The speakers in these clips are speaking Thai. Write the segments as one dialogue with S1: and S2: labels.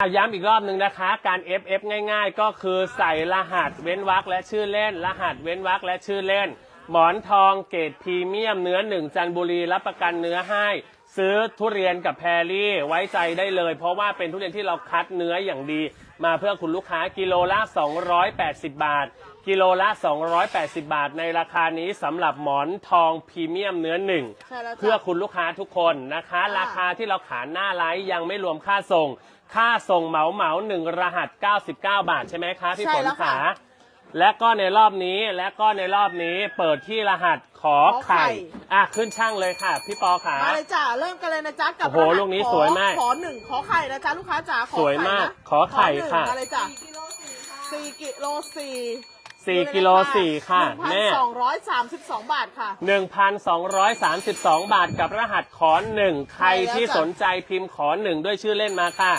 S1: ย้ำอีกรอบหนึ่งนะคะการ FF ง่ายๆก็คือใส่รหัสเว้นวรรคและชื่อเล่นรหัสเว้นวรรคและชื่อเล่นหมอนทองเกรดพรีเมียมเนื้อ1จันทบุรีรับประกันเนื้อให้ซื้อทุเรียนกับแพรรี่ไว้ใจได้เลยเพราะว่าเป็นทุเรียนที่เราคัดเนื้ออย่างดีมาเพื่อคุณลูกค้ากิโลละ280 บาทกิโลละ280 บาทในราคานี้สำหรับหมอนทองพรีเมียมเนื้อ1เพื่อคุณลูกค้าทุกคนนะคะราคาที่เราขายหน้าไลฟ์ยังไม่รวมค่าส่งค่าส่งเหมา1รหัส99 บาทใช่ไหมคะพี่ฝนขาและก็ในรอบนี้เปิดที่รหัสขอไข่ขึ้นช่างเลยค่ะพี่ปอขา
S2: มาเลยจ้าเริ่มกันเลยนะจ๊ะกับ
S1: โอ้โหลูกนี้สวยมาก
S2: ขอ1ขอไข่นะจ๊ะลูกค้าจ๋า
S1: สวยมากขอไข่ค่ะ
S2: มาเลยจ้ะ4กิโล
S1: 4กิโล4ค่ะแม่
S2: 1,232 บาทค่ะ
S1: 1,232 บาทกับรหัสขอ1ใครที่สนใจพิมพ์ขอ1ด้วยชื่อเล่นมาค่ะ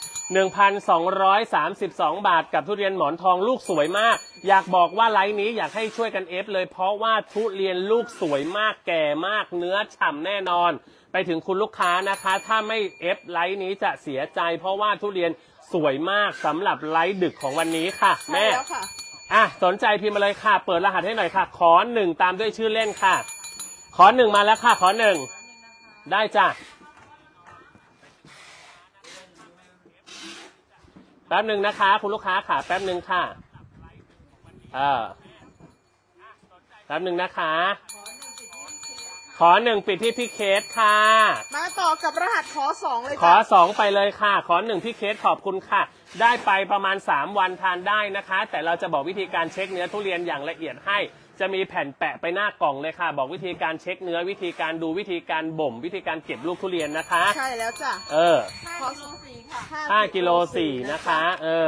S1: 1,232 บาทกับทุเรียนหมอนทองลูกสวยมากอยากบอกว่าไลฟ์นี้อยากให้ช่วยกันเอฟเลยเพราะว่าทุเรียนลูกสวยมากแก่มากเนื้อฉ่ำแน่นอนไปถึงคุณลูกค้านะคะถ้าไม่เอฟไลฟ์นี้จะเสียใจเพราะว่าทุเรียนสวยมากสำหรับไลฟ์ดึกของวันนี้ค่ะแม่สนใจพิมพ์มาเลยค่ะเปิดรหัสให้หน่อยค่ะขอ1ตามด้วยชื่อเล่นค่ะขอ1มาแล้วค่ะขอ1ได้จ้ะแป๊บหนึ่งนะคะคุณลูกค้าค่ะแป๊บหนึ่งค่ะแป๊บหนึ่งนะคะขอ1ปิดที่พี่เคสค่ะ
S2: มาต่อกับรหัสขอ2เลย
S1: ขอ2ไปเลยค่ะขอ1พี่เคสขอบคุณค่ะได้ไปประมาณ3วันทานได้นะคะแต่เราจะบอกวิธีการเช็คเนื้อทุเรียนอย่างละเอียดให้จะมีแผ่นแปะไปหน้ากล่องเลยค่ะบอกวิธีการเช็คเนื้อวิธีการดูวิธีการบ่มวิธีการเก็บลูกทุเรียนนะคะ
S2: ใช่แล้วจ้ะ
S1: 5กิโล4นะคะ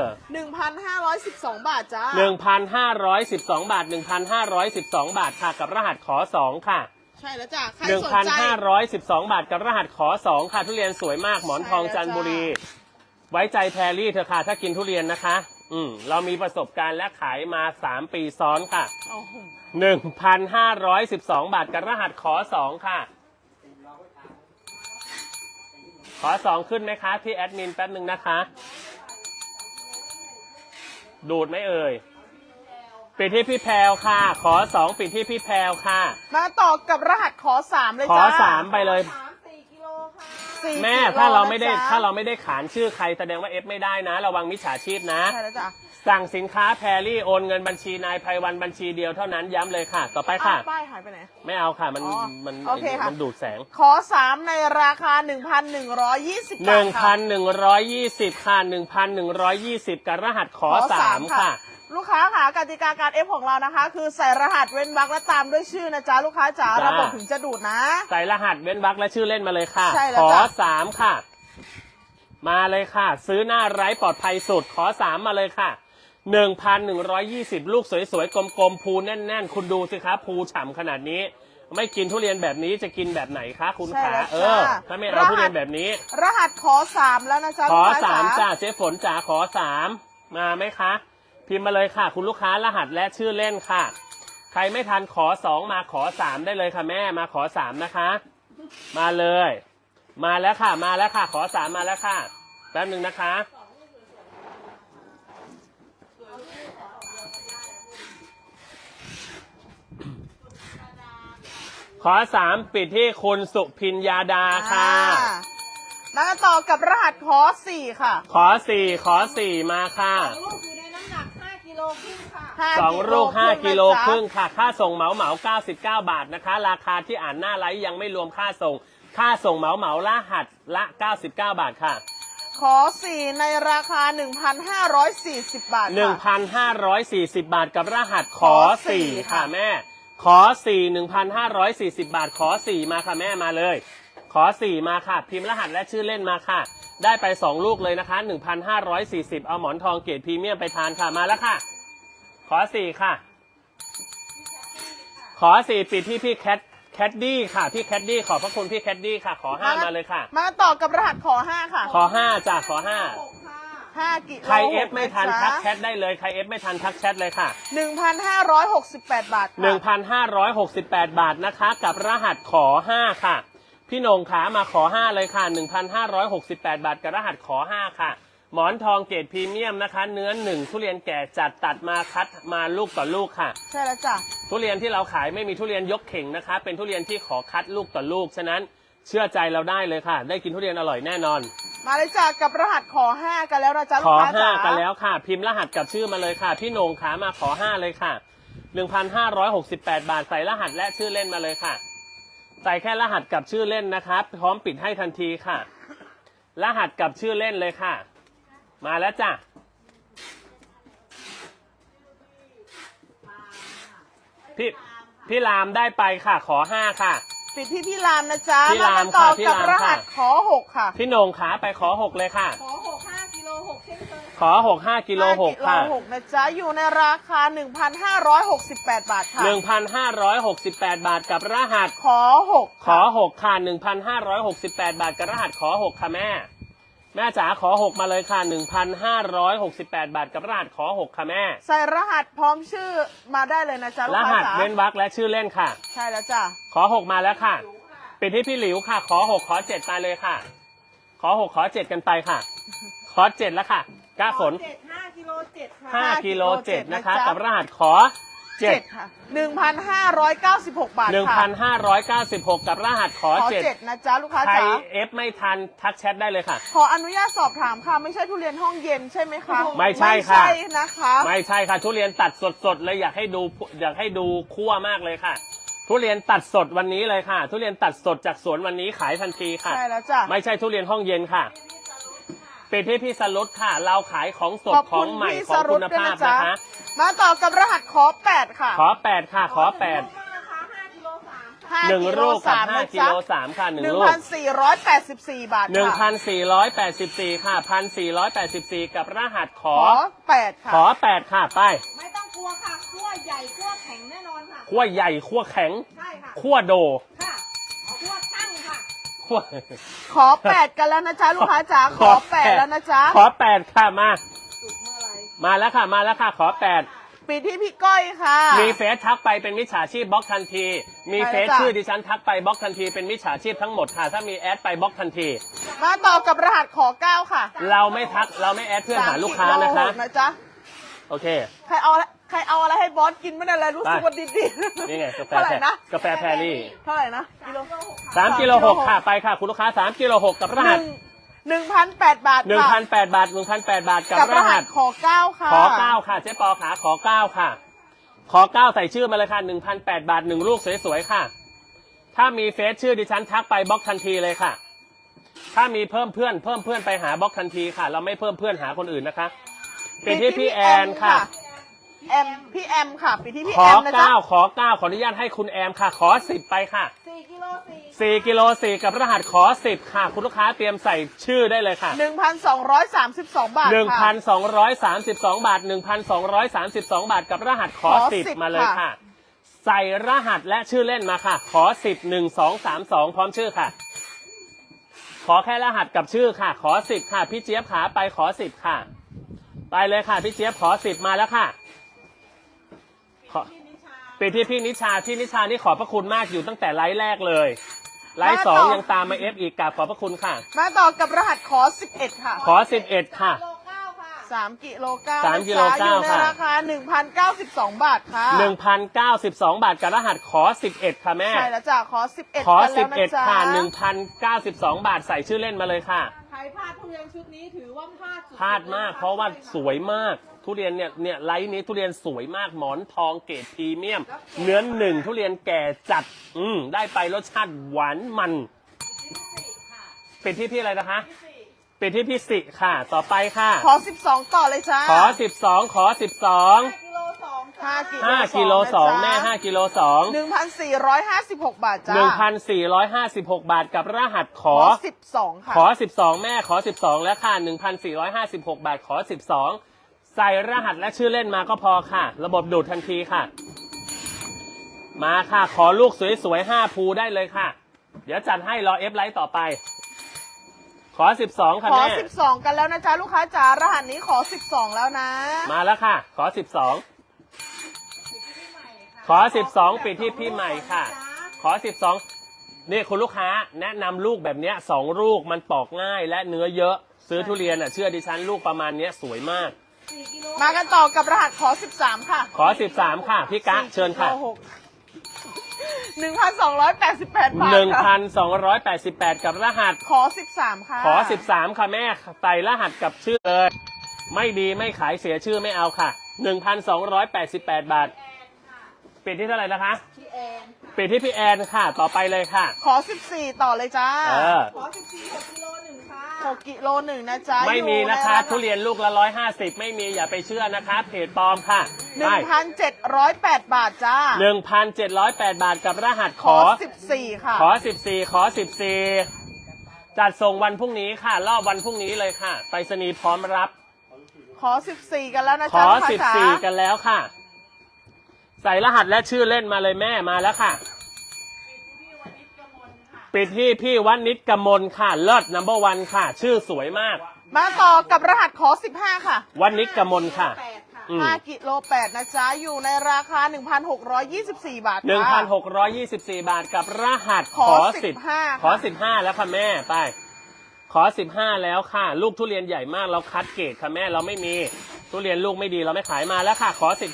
S2: 1,512 บาทจ้า
S1: 1,512 บาท1,512 บาทค่ะกับรหัสขอ2ค่ะ
S2: ใช่แล้วจ้ะ
S1: 1,512 บาทกับรหัสขอ2ค่ะทุเรียนสวยมากหมอนทองจันทบุรีไว้ใจแพรรี่เถอะค่ะถ้ากินทุเรียนนะคะเรามีประสบการณ์และขายมา3ปีซ้อนค่ะ1,512 บาทกับรหัสขอ2ค่ะขอ2ขึ้นไหมคะที่แอดมินแป๊บหนึ่งนะคะดูดไหมเอ่ยปิดที่พี่แพรวค่ะขอ2ปิดที่พี่แพรวค่ะ
S2: มาต่อกับรหัสขอ3เลยจ้า
S1: ขอ3ไปเลยแม่ถ้าเราไม่ได้ขานชื่อใครแสดงว่าเอฟไม่ได้นะระวังมิจฉาชีพนะ
S2: ใช่แล้วจ้ะ
S1: สั่งสินค้าแพรรี่โอนเงินบัญชีนายไพวันบัญชีเดียวเท่านั้นย้ำเลยค่ะต่อไปค่ะ
S2: ป้ายหายไปไหน
S1: ไม่เอาค่ะมันดูดแสง
S2: ขอ3ในราคา 1,120 บาทค่ะ
S1: 1,120ค่ะ1,120กับรหัสขอ3ค่ะ
S2: ลูกค้าค่ะกติกาการเอฟของเรานะคะคือใส่รหัสเว้นวรรคและตามด้วยชื่อนะจ๊ะลูกค้าจ๋าระบบถึงจะดูดนะ
S1: ใส่รหัสเว้นวรรคและชื่อเล่นมาเลยค่ะขอ3ค่ะมาเลยค่ะซื้อหน้าไร้ปลอดภัยสุดขอ3มาเลยค่ะ1,120ลูกสวยๆกลมๆภูแน่นๆคุณดูสิคะภูฉ่ำขนาดนี้ไม่กินทุเรียนแบบนี้จะกินแบบไหนคะคุณขาถ้าไม่เอาทุเรียนแบบนี้
S2: รหัสขอ3แล้วนะจ๊ะ
S1: ขอ3จ้าเจ๊ฝนจ๋าขอ3มาไหมคะพิมพ์มาเลยค่ะคุณลูกค้ารหัสและชื่อเล่นค่ะใครไม่ทันขอ2มาขอ3ได้เลยค่ะแม่มาขอ3นะคะมาเลยมาแล้วค่ะมาแล้วค่ะขอ3มาแล้วค่ะแป๊บนึงนะคะขอ3ปิดที่คุณสุพิญญาดาค่ะ
S2: มาต่อกับรหัสขอ4ค่ะ
S1: ขอ4มาค่ะ2 ลูก 5 กิโลครึ่งค่ะค่าส่งเหมา99 บาทนะคะราคาที่อ่านหน้าไลฟ์ยังไม่รวมค่าส่งเหมารหัสละ99 บาทค่ะ
S2: ขอ4ในราคา 1,540 บาท
S1: 1,540 บาทกับรหัสขอ4ค่ะแม่ขอ4 1,540 บาทขอ4มาค่ะแม่มาเลยขอ4มาค่ะพิมพ์รหัสและชื่อเล่นมาค่ะได้ไป2ลูกเลยนะคะ 1,540 เอาหมอนทองเกรดพรีเมียมไปทานค่ะมาแล้วค่ะขอ4ค่ะขอ4ปิดที่พี่แคดดี้ค่ะพี่แคดดี้ขอบพระคุณพี่แคดดี้ค่ะขอ5มาเลยค่ะ
S2: มาต่อกับรหัสขอ5ค่ะ
S1: ขอ5จ้ะขอ5
S2: กิโล
S1: ใครเอฟไม่ทันทักแชทได้เลยใครเอฟไม่ทันทักแชทเลยค่ะ
S2: 1,568 บาท
S1: 1,568 บาทนะคะกับรหัสขอ5ค่ะพี่นงขามาขอ5เลยค่ะ 1,568 บาทกับรหัสขอ5ค่ะหมอนทองเกรดพรีเมียมนะคะ เนื้อหนึ่งทุเรียนแก่จัดตัดมาคัดมาลูกต่อลูกค่ะ
S2: ใช่แล้วจ้ะ
S1: ทุเรียนที่เราขายไม่มีทุเรียนยกเข่งนะคะ เป็นทุเรียนที่ขอคัดลูกต่อลูกฉะนั้นเชื่อใจเราได้เลยค่ะ ได้กินทุเรียนอร่อยแน่นอน
S2: มาเลยจ้ะกับรหัสขอ5กันแล้วนะจ๊ะ
S1: ข
S2: ลู
S1: อก
S2: ค้าจ๋า
S1: 5กันแล้วค่ะ พิมพ์รหัสกับชื่อมาเลยค่ะ พี่โหน่งขามาขอ5เลยค่ะ 1,568 บาทใส่รหัสและชื่อเล่นมาเลยค่ะ ใส่แค่รหัสกับชื่อเล่นนะคะพร้อมปิดให้ทันทีค่ะ รหัสกับชื่อเล่นเลยค่ะ มาแล้วจ้ะพี่รามได้ไปค่ะ ขอ5ค่ะ
S2: ปิดที่พี่รามนะจ๊ะ
S1: พี่ราม
S2: ต่อ
S1: ค่ะพี่
S2: กับ
S1: ราม
S2: รหัส
S1: ค่ะ
S2: ขอ6ค่ะ
S1: พี่โหน่งขาไปขอ6เลยค่ะ
S3: ขอ6 5กิโล6เช่นเคย
S1: ขอ6 5กิโล6ค่ะ
S2: 6นะจ๊ะอยู่ในราคา 1,568 บาทค่ะ
S1: 1,568 บาทกับรหัส
S2: ขอ6
S1: ขอ6ค่ะ 1,568 บาทกับรหัสขอ6ค่ะแม่จ๋าขอ6มาเลยค่ะ 1,568 บาทกับรหัสขอ6ค่ะแม่
S2: ใส่รหัสพร้อมชื่อมาได้เลยนะจ๊ะลู
S1: ร
S2: กค้า
S1: หัส
S2: จ๋า
S1: เว้นวรรคและชื่อเล่นค่ะ
S2: ใช่แล้วจ้ะ
S1: ขอ6มาแล้วค่ะปิดที่พี่หลิวค่ะ ขอ6ขอ7ไปเลยค่ะ ขอ6ขอ7กันไปค่ะ ขอ7แล้วค่ะก้าฝน
S3: 5กิโล7ค่ะ
S1: 5กิโล7นะคะกับรหัสขอ7
S2: ค่ะ 1,596 บาทค่ะ
S1: 1,596 กับรหัสขอ
S2: ขอ
S1: 7
S2: 7นะจ๊ะลูกค้า
S1: ใคร
S2: จ๋า
S1: เอฟไม่ทันทักแชทได้เลยค่ะ
S2: ขออนุญาตสอบถามค่ะ ไม่ใช่ทุเรียนห้องเย็นใช่ไหมคะ
S1: ไม่ใช่ค่ะ
S2: ไม่ใช่นะคะ
S1: ไม่ใช่ค่ะทุเรียนตัดสดๆเลยอยากให้ดูคั่วมากเลยค่ะ ทุเรียนตัดสดวันนี้เลยค่ะ ทุเรียนตัดสดจากสวนวันนี้ขายทันทีค่ะ
S2: ใช่แล้วจ้ะ
S1: ไม่ใช่ทุเรียนห้องเย็นค่ะเป็นที่พี่สรุตค่ะ เราขายของสด
S2: ขอบ
S1: ข
S2: คุ
S1: อง
S2: ณ
S1: ใหม่
S2: พี่
S1: ของ
S2: สรุ
S1: คุ
S2: ต
S1: ณ
S2: ด้วย
S1: ภาพ
S2: นะจ๊ะ
S1: นะคะ
S2: มาต่อกับรหัสขอ8ค่ะ
S1: ขอ8ค่ะขอ8
S3: นะคะ5กิโล3ค่ะ
S1: 1ลูกกับ5กิโล
S2: นะจ๊ะ
S1: 3ค่ะ1ลูก
S2: 1,484 บาทค่ะ
S1: 1,484 ค่ะ 1,484 กับรหัสข
S2: ข
S1: อ
S2: อ8ค่ะ
S1: ขอ8ค่ะไป
S3: ไม่ต้องกลัวค่ะขั้วใหญ่ขั้วแข็งแน่นอนค่ะ
S1: ขั้วใหญ่ขั้วแข็ง
S3: ใช่ค่ะ
S1: ขั้วโด
S3: ค่ะขั้วตั้งค่ะ
S1: ขั้ว
S2: ขอ8กันแล้วนะจ๊ะลูกค้าจ๋าขอ8แล้วนะจ๊ะ
S1: ขอ8ค่ะมา
S3: สุดเมื่อไหร
S1: มาแล้วค่ะขอ8
S2: ปิดที่พี่ก้อยค่ะ
S1: มีเฟซทักไปเป็นมิจฉาชีพบล็อกทันที มีเฟซ
S2: ใช่แล้วจ้ะ
S1: ชื่อดิฉันทักไปบล็อกทันทีเป็นมิจฉาชีพทั้งหมดค่ะ ถ้ามีแอดไปบล็อกทันที
S2: มาต่อกับรหัสขอ9ค่ะ
S1: เราไม่ทักเราไม่แอดเพื่อนหาลูกค้านะคะ
S2: 3 กิโล6นะจ๊ะ
S1: โอเค
S2: ใครเอาอะไรให้บอสกินไม่ได้เลยรู้สึกว่าดีๆ
S1: นี่ไงกาแฟ
S2: เท่าไหร่นะ
S1: กาแฟแพรรี่
S2: เท่าไหร่นะกิโล
S1: 3กิโล6ค่ะไปค่ะคุณลูกค้า3กิโล6กับรหัส
S2: 1,008 บาทค่ะ
S1: 1,008 บาท1,008 บาทกับ
S2: กับ
S1: ร
S2: ร
S1: หั
S2: หั
S1: ส
S2: สขอ9ค่ะ
S1: ขอ9ค่ะเจ๊ปอขาขอ9ค่ะ ขอ9ใส่ชื่อมาเลยค่ะ 1,008 บาท1ลูกสวยๆค่ะ ถ้ามีเฟซชื่อดิฉันทักไปบล็อกทันทีเลยค่ะ ถ้ามีเพิ่มเพื่อนไปหาบล็อกทันทีค่ะ เราไม่เพิ่มเพื่อนหาคนอื่นนะคะเป็นที่พี่แอนค่ะ
S2: พี่แอมค่ะปิดที่พี่
S1: ข
S2: แอ
S1: อ
S2: มนะจ๊ะ
S1: 9ขอ9ขออนุญาตให้คุณแอมค่ะ ขอ10ไปค่ะ
S3: 4กิโล4
S1: 4กิโล4กับรหัสขอ10ค่ะ คุณลูกค้าเตรียมใส่ชื่อได้เลยค่ะ
S2: 1,232 บาทค่ะ
S1: 1,232 บาท 1,232 บาทกับรหัสขอ
S2: ขอ
S1: 10
S2: 10
S1: มาเลยค่ะ ใส่รหัสและชื่อเล่นมาค่ะ ขอ10 1 2 3 2พร้อมชื่อค่ะ ขอแค่รหัสกับชื่อค่ะ ขอ10ค่ะพี่เจี๊ยบขาไปขอ10ค่ะ ไปเลยค่ะพี่เจี๊ยบขอ10มาแล้วค่ะขอปิดที่พี่นิชานี่ขอบพระคุณมากอยู่ตั้งแต่ไลฟ์แรกเลย ไลฟ์2ยังตามมาเอฟอีกกราบขอบพระคุณค่ะ
S2: มาต่อกับรหัสขอ11ค่ะ
S1: ขอ11ค่ะ
S3: กิโล9ค่ะ
S2: 3กิโล9
S1: 3กิโล9
S2: อยู่ใน
S1: ค่ะ
S2: ราคา 1,092 บาทค่ะ
S1: 1,092 บาทกับรหัสขอ11ค่ะแม่
S2: ใช่แล้วจ้ะขอ11
S1: ขอ
S2: กันแล้วนะจ๊ะ
S1: 11ค่ะ 1,092 บาทใส่ชื่อเล่นมาเลยค่ะ
S3: ใครพลาดทุเรียนชุดนี้ถือว่าพลาดสุดๆ
S1: พลาดมากเพราะว่าสวยมากทุเรียนเนี่ยไลท์นี้ทุเรียนสวยมากหมอนทองเกรดพรีเมียม เนื้อหนึ่งทุเรียนแก่จัดได้ไปรสชาติหวานมันปิดที่พี่อะไรนะคะปิดที่พี่สิค่ะต่อไปค่ะ
S2: ขอ12 ต่อเลยจ้า
S1: ขอ12ขอ12
S3: กิโล2ค่ะ
S1: 5กิโล2แม่5กิโล2
S2: 1,456 บาทจ้า
S1: 1,456 บาทกับรหัสข
S2: ข
S1: อ
S2: อ12ค่ะ
S1: ขอ12แม่ขอ12แล้วค่ะ 1,456 บาทขอ12ใส่รหัสและชื่อเล่นมาก็พอค่ะ ระบบดูดทันทีค่ะ มาค่ะขอลูกสวยๆ5ภูได้เลยค่ะ เดี๋ยวจัดให้รอเอฟไลท์ต่อไป ขอ12ค่ะ
S2: ขอ
S1: แม่
S2: 12 กันแล้วนะจ๊ะลูกค้าจ๋ารหัสนี้ขอ12 แล้วนะ
S1: มาแล้วค่ะ ขอ12ขอ12ปิดที่พี่ใหม่ค่ะ ขอ12นี่คุณลูกค้าแนะนำลูกแบบเนี้ย2ลูกมันปอกง่ายและเนื้อเยอะซื้อทุเรียนอ่ะเชื่อดิฉันลูกประมาณเนี้ยสวยมาก
S3: 4 กิโล
S2: มากันต่อกับรหัสขอ 13 ค่ะ
S1: ขอ 13 ค่ะพี่กะเชิญค่ะ
S2: 1,288 บาทค่ะ
S1: 1,288 กับรหัส
S2: ขอ 13 ค่ะ
S1: ขอ 13 ค่ะแม่ใส่รหัสกับชื่อเลย ไม่ดีไม่ขายเสียชื่อไม่เอาค่ะ 1,288 บาท ปิดที่เท่าไหร่นะคะ
S3: พี่แอนค่ะ
S1: ปิดที่พี่แอนค่ะ ต่อไปเลยค่ะ
S2: ขอ 14 ต่อเลยจ้า
S1: เออ
S3: ขอ 14 6 กิโล 1 ค่ะ
S2: 6 กิโล 1 นะจ๊ะ
S1: ไม่มีนะคะ
S2: อยู่ใ
S1: ทุเรียนลูกละ 150 ไม่มีอย่าไปเชื่อนะคะ เพจปลอมค่ะได้
S2: 1,708 บาทจ้า
S1: 1,708 บาทกับรหัส
S2: ขอ 14 ค่ะ
S1: ขอ 14 ขอ 14 จัดส่งวันพรุ่งนี้ค่ะ รอบวันพรุ่งนี้เลยค่ะ ไปรษณีย์พร้อมรับ
S2: ขอ 14 กันแล้วนะ
S1: ข
S2: จ๊ะ
S1: อ
S2: ลูกค้าจ๋า
S1: 14 กันแล้วค่ะ ใส่รหัสและชื่อเล่นมาเลยแม่มาแล้วค่ะ ปิดที่พี่วันิชกมลค่ะ เลิศนัมเบอร์วันค่ะ ชื่อสวยมาก
S2: มาต่อกับรหัสขอ 15 ค่ะ
S1: วันิชกมลค่ะ
S3: 8 ค่ะ
S1: อืม
S2: 5 กิโล 8 นะจ๊ะ อยู่ในราคา 1,624 บาทค่ะ
S1: 1,624 บาทกับรหัส
S2: ขอ15
S1: ขอ 15 แล้วค่ะแม่ไป ขอ 15 แล้วค่ะ ลูกทุเรียนใหญ่มากเราคัดเกรดค่ะแม่เราไม่มีทุเรียนลูกไม่ดีเราไม่ขายมาแล้วค่ะ ขอ 15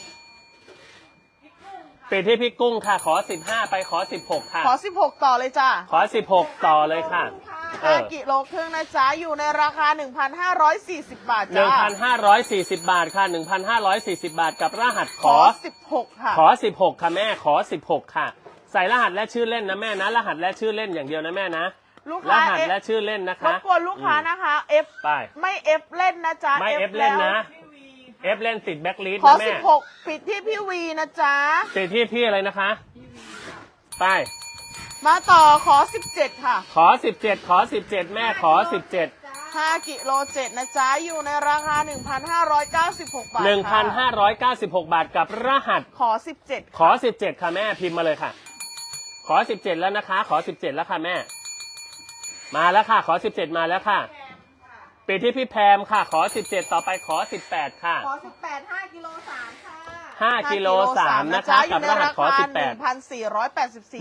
S1: ปิดที่พี่กุ้งค่ะ ขอ 15 ไปขอ 16 ค่ะ
S2: ขอ 16 ต่อเลยจ้า
S1: ขอ 16 ต่อเลยค่ะ
S2: 5 กิโลครึ่งนะจ๊ะ อยู่ในราคา 1,540 บาทจ้า
S1: 1,540 บาทค่ะ 1,540 บาทกับรหัส
S2: ขอ 16 ค่ะ
S1: ขอ 16 ค่ะแม่ขอ 16 ค่ะ ใส่รหัสและชื่อเล่นนะแม่นะ รหัสและชื่อเล่นอย่างเดียวนะแม่นะ
S2: ลูก
S1: ร
S2: ค้า
S1: หัส
S2: F
S1: และชื่อเล่นนะ
S2: ร
S1: คะ
S2: บกวนลูกค้านะคะ F
S1: ไป
S2: ไม่ F เล่นนะจ๊ะ
S1: ไม่ F เล่นนะ F เล่นติดแบ็คลิสต์
S2: ขอ
S1: นะแม่
S2: 16 ปิดที่พี่วีนะจ๊ะ
S1: ติดที่พี่อะไรนะคะ ไป
S2: มาต่อขอ 17 ค่ะ
S1: ขอ 17 ขอ 17 แม่ขอ 17
S2: 5 กิโล 7 นะจ๊ะ อยู่ในราคา 1,596 บาทค่ะ
S1: 1,596 บาทกับรหัส
S2: ขอ 17
S1: ขอ 17 ค่ะแม่พิมพ์มาเลยค่ะ ขอ 17 แล้วนะคะ ขอ 17 แล้วค่ะแม่ มาแล้วค่ะ ขอ 17 มาแล้วค่ะปิดที่พี่แพมค่ะ ขอ 17 ต่อไปขอ 18 ค่ะ
S3: ขอ 18 5 กิโล 3 ค่ะ
S1: 5 กิโล 3 นะคะ กับรหัสขอ 18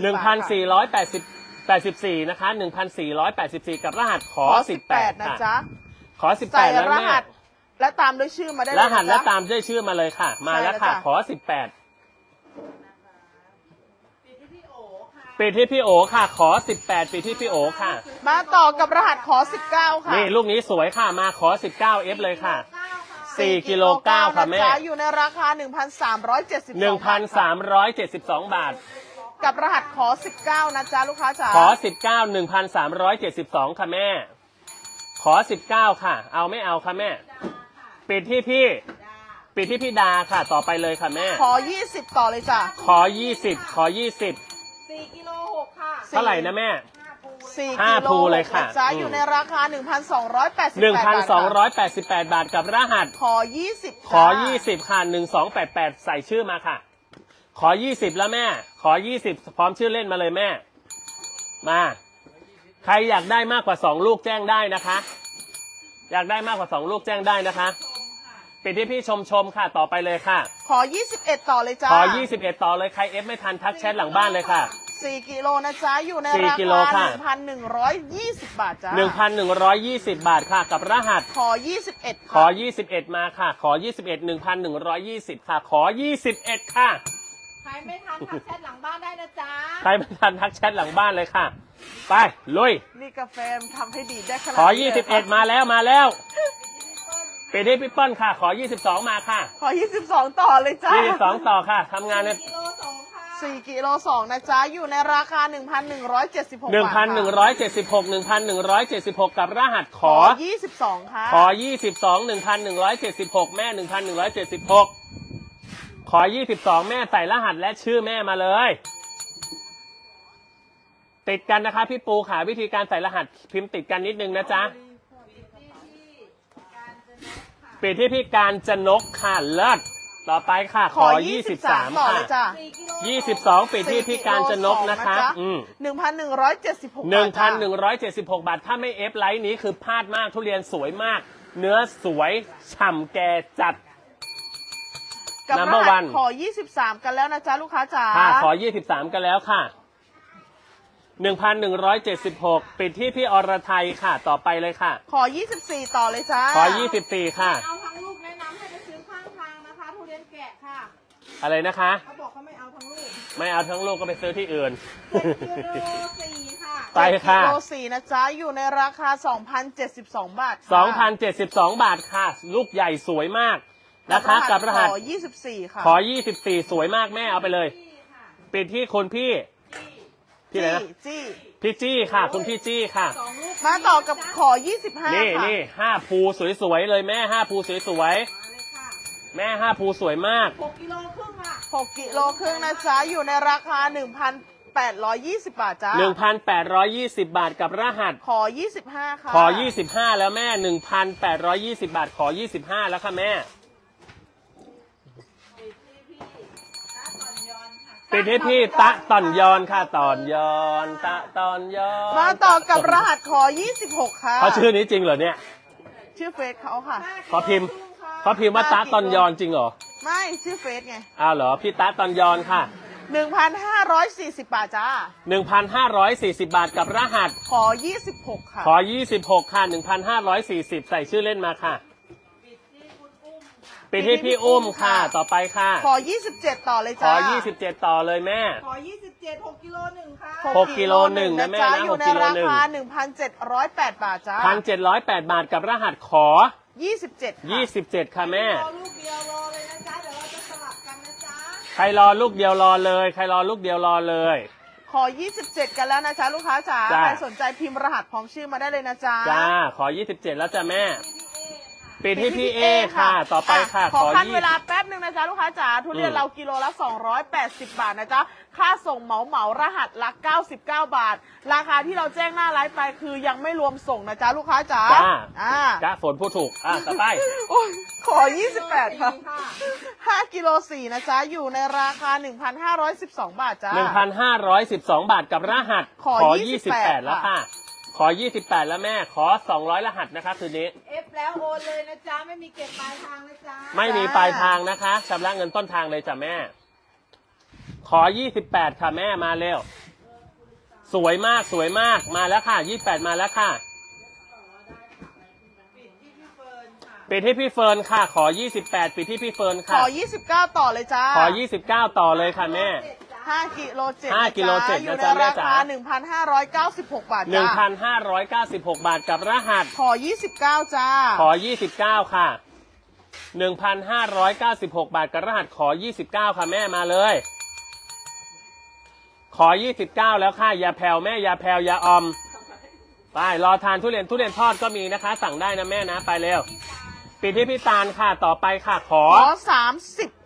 S2: 1,484 บาทค่ะ
S1: 1,484 นะคะ 1,484 กับรหัสขอ
S2: ขอ
S1: 18
S2: นะ
S1: ค่ะ
S2: จ๊ะ
S1: ขอ
S2: ใส่
S1: 18 แล้ว
S2: ร
S1: แม่
S2: หัสและตามด้วยชื่อมาได้เลย
S1: ร
S2: นะ
S1: หัสและ
S2: จ๊ะ
S1: ตามด้วยชื่อมาเลยค่ะ มาแล้วค่ะ
S2: ใช่แล้วจ้ะ
S1: ขอ 18
S3: ปิดที่พี่โอค่ะ
S1: ปิดที่พี่โอค่ะ ขอ 18 ปิดที่พี่โอค่ะ
S2: มาต่อกับรหัสขอ 19 ค่ะ
S1: นี่ลูกนี้สวยค่ะ มาขอ 19 F เลยค่ะ
S3: 9 ค่ะ
S1: 4 กิโล 9 ค่ะแม่
S2: นจ๊อยู่ในราคา 1,372
S1: 1,372 บาท
S2: กับรหัสขอ 19 นะจ๊ะลูกค้าจ๋า
S1: ขอ 19 1,372 ค่ะแม่ ขอ 19 ค่ะ เอาไม่เอาค่ะแม่ ปิดที่พี่ ปิดที่พี่ดาค่ะ ต่อไปเลยค่ะแม่
S2: ขอ 20 ต่อเลยจ้ะ
S1: ขอ 20 ขอ 20
S3: 4 กิโล 6 ค่ะ
S1: เท่าไหร่นะแม่
S2: 4
S1: ห้า
S2: กิโล
S1: ภูเลยค่ะ
S2: นจ๊ะ
S1: อืม
S2: อยู่ในราคา 1,288 บาทค่ะ
S1: 1,288 บาทกับรหัส
S2: ขอ 20
S1: ขอ 20 ค่ะ 1288 ใส่ชื่อมาค่ะ ขอ 20 แล้วแม่ ขอ 20 พร้อมชื่อเล่นมาเลยแม่ มา ใครอยากได้มากกว่า 2 ลูกแจ้งได้นะคะ อยากได้มากกว่า 2 ลูกแจ้งได้นะคะปิดที่พี่ชมค่ะ ต่อไปเลยค่ะ
S2: ขอ 21 ต่อเลยจ้ะ
S1: ขอ 21 ต่อเลย ใครเอฟไม่ทันทักแชทหลังบ้านเลยค่ะ
S2: 4 กิโลนะจ๊ะ อยู่ใน
S1: 4
S2: รา
S1: กิโล
S2: คา
S1: ค่ะ
S2: 1,120 บาทจ้ะ
S1: 1,120 บาทค่ะ กับรหัส
S2: ขอ 21
S1: ขอ
S2: ค่ะ
S1: 21 มาค่ะ ขอ 21 1,120 ค่ะ ขอ 21 ค่ะ
S3: ใครไม่ทันทักแชทหลังบ้านได้นะจ๊ะ
S1: ใครไม่ทันทักแชทหลังบ้านเลยค่ะ ไป ลุย
S2: นี่กาแฟมันทำให้ดีได้ขนาด
S1: ขอ
S2: นี้เลยค่ะ
S1: 21 มาแล้วมาแล้วปิดที่พี่เปิ้ลค่ะ ขอ 22 มาค่ะ
S2: ขอ 22 ต่อเลยจ้ะ
S1: 22 ต่อค่ะทำงานใน
S3: กิโล 2 ค่ะ
S2: 4 กิโล 2 นะจ๊ะ อยู่ในราคา 1,176 บาทค่ะ
S1: 1,176 1,176 กับรหัสข
S2: ข
S1: อ
S2: อ 22 ค่ะ
S1: ขอ 22 1,176 แม่ 1,176 ขอ 22 แม่ใส่รหัสและชื่อแม่มาเลย ติดกันนะคะพี่ปูค่ะวิธีการใส่รหัสพิมพ์ติดกันนิดนึงนะจ๊ะ ปิดที่พี่การจนกค่ะเลิศต่อไปค่ะ ข
S2: ขอ
S1: อ
S2: 23 ต่อ
S1: 23
S2: เลยจ้ะ
S1: ค่ะ
S3: 4 กิโล
S1: 22 ปิดที่พี่การจนกนะคะ
S2: 1,176 บาทจ้ะ
S1: 1,176 บาท ถ้าไม่เอฟไลท์นี้คือพลาดมากทุเรียนสวยมาก เนื้อสวยฉ่ำแก่จัด
S2: กับร
S1: Number
S2: หัส
S1: one
S2: ขอ 23 กันแล้วนะจ๊ะลูกค้าจ๋า
S1: ค่ะขอ 23 กันแล้วค่ะ 1,176 ปิดที่พี่อรไทยค่ะ ต่อไปเลยค่ะ
S2: ขอ 24 ต่อเลยจ้า
S1: ขอ 24 ค่ะ
S3: เอาทั้งลูกแนะนำให้ไปซื้อข้างทางนะคะทุเรียนแกะค่ะ
S1: อะไรนะคะ
S3: เขาบอกเขาไม่เอาทั้งลูก
S1: ไม่เอาทั้งลูกก็ไปซื้อที่อื่น
S3: กิโล4ค่ะ
S1: ไปค่ะ
S2: กิโล4นะจ๊ะ อยู่ในราคา 2,072 บาทค่ะ
S1: 2,072 บาทค่ะ ลูกใหญ่สวยมากนะคะกับรหัส
S2: ขอ 24 ค่ะ
S1: ขอ 24 สวยมากแม่เอาไปเลย
S3: พี่ค่ะ
S1: ปิดที่คนพี่พี่อะไรนะ
S2: จี้
S1: พี่จี้ค่ะ คุณพี่จี้ค่ะ
S3: 2 ลูก
S2: มาต่อกับขอ 25
S1: นี่
S2: ค่ะ
S1: นี่5 ภูสวยๆเลยแม่5 ภูสวย
S3: มาเลยค่ะ
S1: ๆแม่5 ภูสวยมาก
S3: 6 กิโลครึ่งค่ะ
S2: 6 กิโลครึ่งนะจ๊ะ อยู่ในราคา 1,820 บาทจ้า
S1: 1,820 บาทกับรหัส
S2: ขอ 25 ค่ะ
S1: ขอ 25 แล้วแม่ 1,820 บาท ขอ 25 แล้วค่ะแม่
S3: ปิดที่พี่ตาต่อนยอนค่ะ
S1: ปิดที่พี่ตะต่อนยอนตะตอนยอน
S2: มาต่อกับรหัสขอ 26 ค่ะ
S1: เขาชื่อนี้จริงเหรอเนี่ย
S2: ชื่อเฟซเขาค่ะ
S1: เขาพิมพ์เขาพิมพ์ว่าตะตอนยอนจริงเหรอ
S2: ไม่ชื่อเฟซไง
S1: อ้าวเหรอ พี่ตะตอนยอนค่ะ
S2: 1,540 บาทจ้า
S1: 1,540 บาทกับรหัส
S2: ขอ 26 ค่ะ
S1: ขอ 26 ค่ะ 1,540 ใส่ชื่อเล่นมาค่ะ
S3: ปิดที่คุณอุ้มค่ะ
S1: ปิดที่พี่อุ้มค่ะ ต่อไปค่ะ
S2: ขอ 27 ต่อเลย
S1: ข
S2: จ้า
S1: อ 27 ต่อเลยแม่
S3: ขอ 27 6 กิโล1ค่ะ
S1: 6 กิโลหนึ่งนะแม่
S2: จ๊ะ
S1: นะ
S2: อยู่ใน
S1: 6 กิโล
S2: รา
S1: หนึ่ง
S2: คา 1,708 บาทจ้า
S1: 1,708 บาทกับรหัสขอ
S2: 27 ค่ะ
S1: 27 ค่ะแม่
S3: รอลูกเดียวรอเลยนะจ๊ะ เดี๋ยวเราจะสลับกันนะจ๊ะ
S1: ใครรอลูกเดียวรอเลย ใครรอลูกเดียวรอเลย
S2: ขอ 27 กันแล้วนะจ๊ะลูกค้าจ๋า
S1: จ้า
S2: ใครสนใจพิมพ์รหัสพร้อมชื่อมาได้เลยนะจ๊ะ
S1: จ้า ขอ 27 แล้วจ้ะแม่
S3: พี่เอค่ะ
S1: ปิดที่พี่เอค่ะ ต่อไปค่ะ
S2: ขอขั้น
S1: 20
S2: เวลาแป๊บหนึ่งนะจ๊ะลูกค้าจ๋าทุเรียนเรากิโลละ280 บาทนะจ๊ะค่าส่งเหมารหัสละ99 บาท ราคาที่เราแจ้งหน้าไลฟ์ไปคือยังไม่รวมส่งนะจ๊ะลูกค้าจ๋า
S1: จ้า
S2: อ่า
S1: ฝนพูดถูก ต่อไป
S2: โอ้ยขอ 28 ค่ะ
S3: ค่ะ
S2: 5กิโล4นะจ๊ะอยู่ในราคา 1,512 บาทจ้า
S1: 1,512 บาทกับรหัส
S2: ขอ
S1: 28 แล้วค่ะ ขอ 28 แล้วแม่ ขอ 200 รหัสนะคะคืนนี้
S3: เอฟแล้วโอนเลยนะจ๊ะ ไม่มีเก็บปลายทางนะจ๊ะ
S1: ไม่มีปลายทางนะคะชำระเงินต้นทางเลยจ้ะแม่ ขอ 28 ค่ะแม่มาเร็ว สวยมากสวยมากมาแล้วค่ะ 28 มาแล้วค่ะ
S3: ปิดที่พี่เฟิร์นค่ะ
S1: ปิดที่พี่เฟิร์นค่ะ ขอ 28 ปิดที่พี่เฟิร์น
S2: ข
S1: ค่ะ
S2: อ 29 ต่อเลยจ้า
S1: ขอ 29 ต่อเลยค่ะแม่
S2: 5กิโล7
S1: 5กิโล7
S2: อยู่
S1: นะ
S2: ใน
S1: จ๊ะแม่
S2: รา
S1: จ๋า
S2: คา 1,596 บาทจ้า
S1: 1,596 บาทกับรหัส
S2: ขอ 29 จ้า
S1: ขอ 29 ค่ะ 1,596 บาทกับรหัสขอ 29 ค่ะแม่มาเลย ขอ 29 แล้วค่ะอย่าแผ่วแม่อย่าแผ่วอย่าออม ไปรอทานทุเรียนทอดก็มีนะคะ สั่งได้นะแม่นะไปเร็ว ปิดที่พี่ตาลค่ะต่อไปค่ะขอ
S2: ขอ 30